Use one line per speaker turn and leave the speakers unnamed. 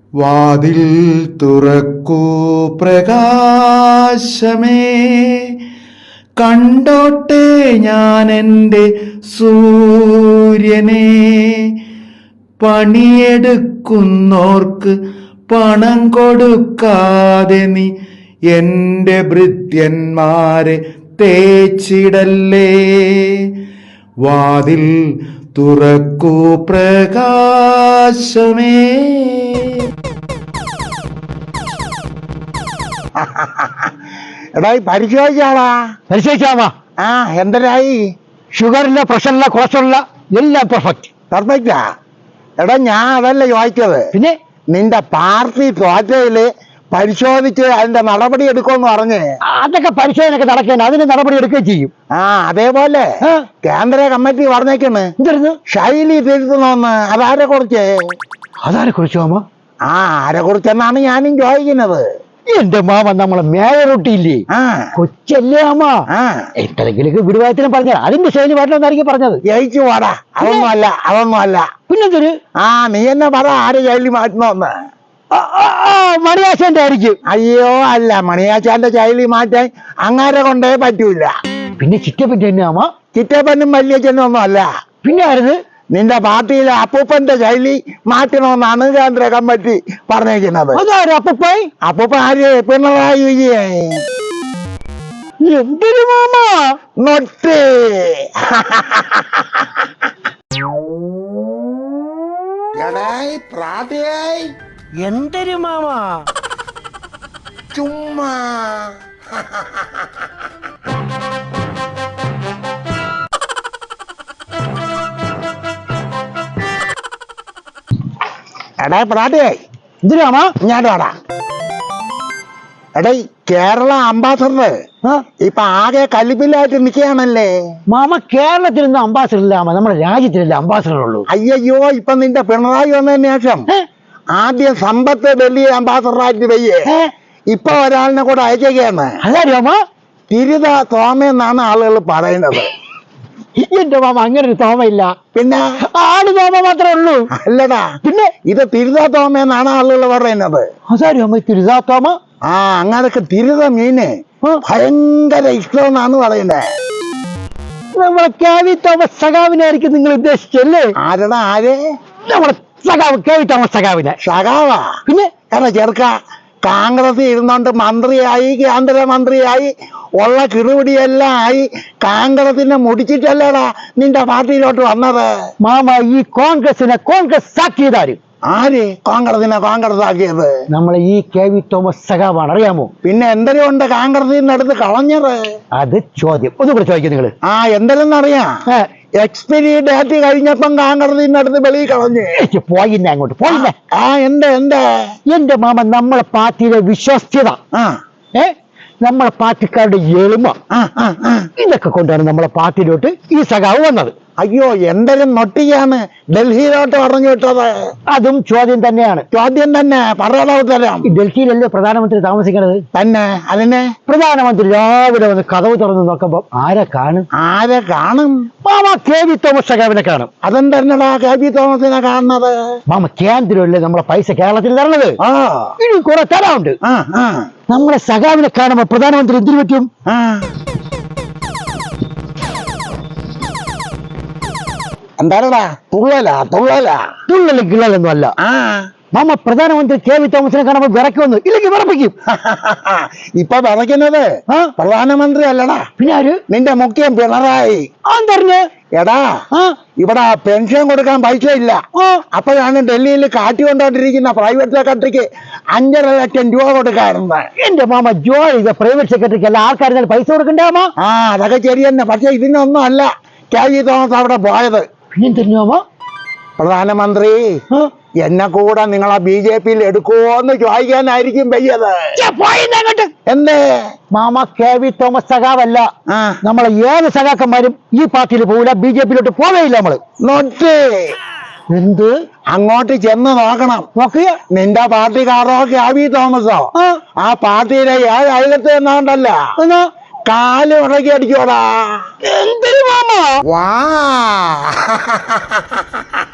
വാതിൽ തുറക്കൂ പ്രകാശമേ, കണ്ടോട്ടെ ഞാൻ എൻ്റെ സൂര്യനെ. പണിയെടുക്കുന്നോർക്ക് പണം കൊടുക്കാതെ നീ എൻ്റെ ഭൃത്യന്മാരെ തേച്ചിടല്ലേ. വാതിൽ തുറക്കൂ പ്രകാശമേ.
എടാ പരിശോധിച്ചാമാ. എന്തരായി? ഷുഗറില്ല, പ്രഷറില്ല, കൊളസ്ട്രോളില്ല, എല്ലാം പെർഫെക്റ്റാ. എടാ ഞാൻ അതല്ല ചോദിച്ചത്. പിന്നെ നിന്റെ പാർട്ടി തോറ്റയില് പരിശോധിച്ച് അതിന്റെ നടപടി എടുക്കുമെന്ന് പറഞ്ഞ്. അതൊക്കെ പരിശോധനയൊക്കെ നടക്കാൻ അതിന് നടപടി എടുക്കുകയും ചെയ്യും. അതേപോലെ കേന്ദ്ര കമ്മിറ്റി പറഞ്ഞേക്കാണ് ശൈലി തിരുത്തണമെന്ന്. അതാരെ കുറിച്ച് മാമ? ആരെ കുറിച്ചെന്നാണ് ഞാനും ചോദിക്കുന്നത്. എന്റെ മാമ നമ്മളെ മേയറൊട്ടിയില്ലേ, കൊച്ചല്ലേ മാമ, എന്തെങ്കിലും വിടുവായത്തിനും പറഞ്ഞ അതിന്റെ ശൈലി പാട്ടിലൊന്നായിരിക്കും പറഞ്ഞത്. ജയിച്ചു പാടാ. അതൊന്നും അല്ല. പിന്നെന്തൊരു നീ എന്നെ പറ, ആര് ശൈലി മാറ്റണമെന്ന്? മണിയാശാന്റെ ആയിരിക്കും. അയ്യോ അല്ല, മണിയാശാന്റെ ശൈലി മാറ്റാൻ അങ്ങാരെ കൊണ്ടേ പറ്റൂല. പിന്നെ ചിറ്റപ്പൻ തന്നെയാമ? ചിറ്റപ്പനും വലിയച്ഛനും ഒന്നും അല്ല. പിന്നെ ആയിരുന്നു? നിന്റെ പാർട്ടിയിലെ അപ്പൂപ്പന്റെ ശൈലി മാറ്റണമെന്നാണ് കേന്ദ്ര കമ്മിറ്റി പറഞ്ഞേക്കുന്നത്. അപ്പൂപ്പ ആര്? പിണറായി വിജയൻ. എന്തൊരു മാമ നൊട്ട്. എന്തൊരു മാമ ചുമ്മാ. എടേ പ്രാട്ടിയായി എന്തിനാമാ ഞാൻ വാടാ. എടേ കേരള അംബാസഡർ ഇപ്പൊ ആകെ കലിപ്പില്ലായിട്ട് നിൽക്കുകയാണല്ലേ മാമ. കേരളത്തിൽ നിന്ന് അംബാസഡർ ഇല്ല, നമ്മുടെ രാജ്യത്തിലല്ലേ അംബാസഡർ ഉള്ളൂ. അയ്യോ ഇപ്പൊ നിന്റെ പിണറായി വന്നതിന് ശേഷം ആദ്യം സമ്പത്ത് ഡൽഹി അംബാസഡറായിട്ട് വയ്യേ, ഇപ്പൊ ഒരാളിനെ കൂടെ അയക്കുകയാണ്. അതാ തിരുത തോമയെന്നാണ് ആളുകൾ പറയുന്നത്. എന്റെ മാമ അങ്ങനെ ഒരു തോമയില്ല. പിന്നെ ആട് തോമ മാത്രമേ ഉള്ളൂ. അല്ലടാ, പിന്നെ ഇത് തിരുതാ തോമയെന്നാണ് ആളുകൾ പറയുന്നത്. അതാരും അമ്മ തിരുതാ തോമ? അങ്ങനൊക്കെ തിരുത മീന് ഭയങ്കര ഇഷ്ടമെന്നാണ് പറയുന്നത്. നമ്മളെ കെ.വി. തോമസ് സഖാവിനായിരിക്കും നിങ്ങൾ ഉദ്ദേശിച്ചല്ലേ? ആരടാ ആര്? നമ്മളെ സഖാവ് കെ.വി. തോമസ് സഖാവിനെ. സഖാവാ? പിന്നെ കാരണം ചെറുക്ക കോൺഗ്രസ് ഇരുന്നോണ്ട് മന്ത്രിയായി, കേന്ദ്രമന്ത്രിയായി, ഉള്ള കിറുപിടിയെല്ലാം ആയി കോൺഗ്രസിനെ മുടിച്ചിട്ടല്ലേടാ നിന്റെ പാർട്ടിയിലോട്ട് വന്നത്. മാമ ഈ കോൺഗ്രസിനെ കോൺഗ്രസ് ആക്കിയതാര്? ആര് കോൺഗ്രസിനെ കോൺഗ്രസ് ആക്കിയത്? നമ്മളെ ഈ കെ.വി. തോമസ് സഖാവാണ്, അറിയാമോ? പിന്നെ എന്തെങ്കിലും ഉണ്ട് കോൺഗ്രസിന്റെ അടുത്ത് കളഞ്ഞത്? അത് ചോദ്യം ഒന്നുകൂടെ ചോദിക്കും നിങ്ങള്. എന്തെങ്കിലും അറിയാം. എക്സ്പയറി ഡേറ്റ് കഴിഞ്ഞപ്പം കോൺഗ്രസിന്റെ അടുത്ത് വെളിയിൽ കളഞ്ഞ് പോയിന്നെ അങ്ങോട്ട് പോയിന്നെ. എന്റെ മാമ നമ്മളെ പാർട്ടിയിലെ വിശ്വസ്തത, നമ്മളെ പാർട്ടിക്കാരുടെ എളിമ, ഇതൊക്കെ കൊണ്ടാണ് നമ്മളെ പാർട്ടിയിലോട്ട് ഈ സഖാവ് വന്നത്. അയ്യോ എന്തെങ്കിലും നൊട്ടിയാണ് ഡൽഹിയിലോട്ട് പറഞ്ഞു വിട്ടത്. അതും ചോദ്യം തന്നെയാണ്. ചോദ്യം തന്നെ പറയാതെ തരാം. ഡൽഹിയിലല്ലേ പ്രധാനമന്ത്രി താമസിക്കുന്നത്? തന്നെ. അതിനെ പ്രധാനമന്ത്രി രാവിലെ വന്ന് കതവ് തുറന്ന് നോക്കുമ്പോ ആരെ കാണും? മാമ കെ.വി. തോമസ് സഖാവിനെ കാണും. അതെന്തന്നടാ കെ.വി. തോമസിനെ കാണുന്നത്? മാമ കേന്ദ്രമല്ലേ നമ്മളെ പൈസ കേരളത്തിൽ തരണത്, ഇനി കുറെ തരാറുണ്ട്. നമ്മളെ സഖാവിനെ കാണുമ്പോ പ്രധാനമന്ത്രി എന്തിനു പറ്റും? എന്താടാ തുള്ളലും കിള്ളലൊന്നും അല്ല മാമ. പ്രധാനമന്ത്രി കെ.വി. തോമസിനെ കാണുമ്പോ വിറയ്ക്കൊന്നു ഇല്ലെങ്കിൽ വിറപ്പിക്കും. ഇപ്പൊ വിറയ്ക്കുന്നത് പ്രധാനമന്ത്രി അല്ലടാ, പിന്നെ ആര്? നിന്റെ മുഖ്യം പിണറായി. എടാ ഇവിടെ പെൻഷൻ കൊടുക്കാൻ പൈസ ഇല്ല. അപ്പോഴാണ് ഡൽഹിയിൽ കാട്ടിക്കൊണ്ടോണ്ടിരിക്കുന്ന പ്രൈവറ്റ് സെക്രട്ടറിക്ക് 5.5 ലക്ഷം രൂപ കൊടുക്കാറുണ്ട്. എന്റെ മാമ ജോലി പ്രൈവറ്റ് സെക്രട്ടറിക്ക് എല്ലാ ആൾക്കാരും പൈസ കൊടുക്കണ്ടാമോ? അതൊക്കെ ശരി തന്നെ. പക്ഷെ ഇതിനൊന്നും അല്ല കെ.വി. തോമസ് അവിടെ പോയത്. പിന്നെ തന്നെയാമോ പ്രധാനമന്ത്രി എന്നെ കൂടെ നിങ്ങളെ BJP-യിൽ എടുക്കുവോന്ന് ചോദിക്കാനായിരിക്കും വയ്യത്. എന്തേ മാമ? കെ.വി. തോമസ് സഖാവല്ല. നമ്മളെ ഏത് സഖാക്കന്മാരും ഈ പാർട്ടിയിൽ പോവില്ല, BJP-യിലോട്ട് പോവേയില്ല. നമ്മള് നോട്ട് എന്ത് അങ്ങോട്ട് ചെന്ന് നോക്കണം. നോക്കിയ നിന്റെ പാർട്ടിക്കാരോ കെ.വി. തോമസോ ആ പാർട്ടിയിലെ 7 അയലത്ത് എന്നാണ്ടല്ല കാല് ഉടക്കി അടിക്കോടാ. എന്തൊരു മാമ വാ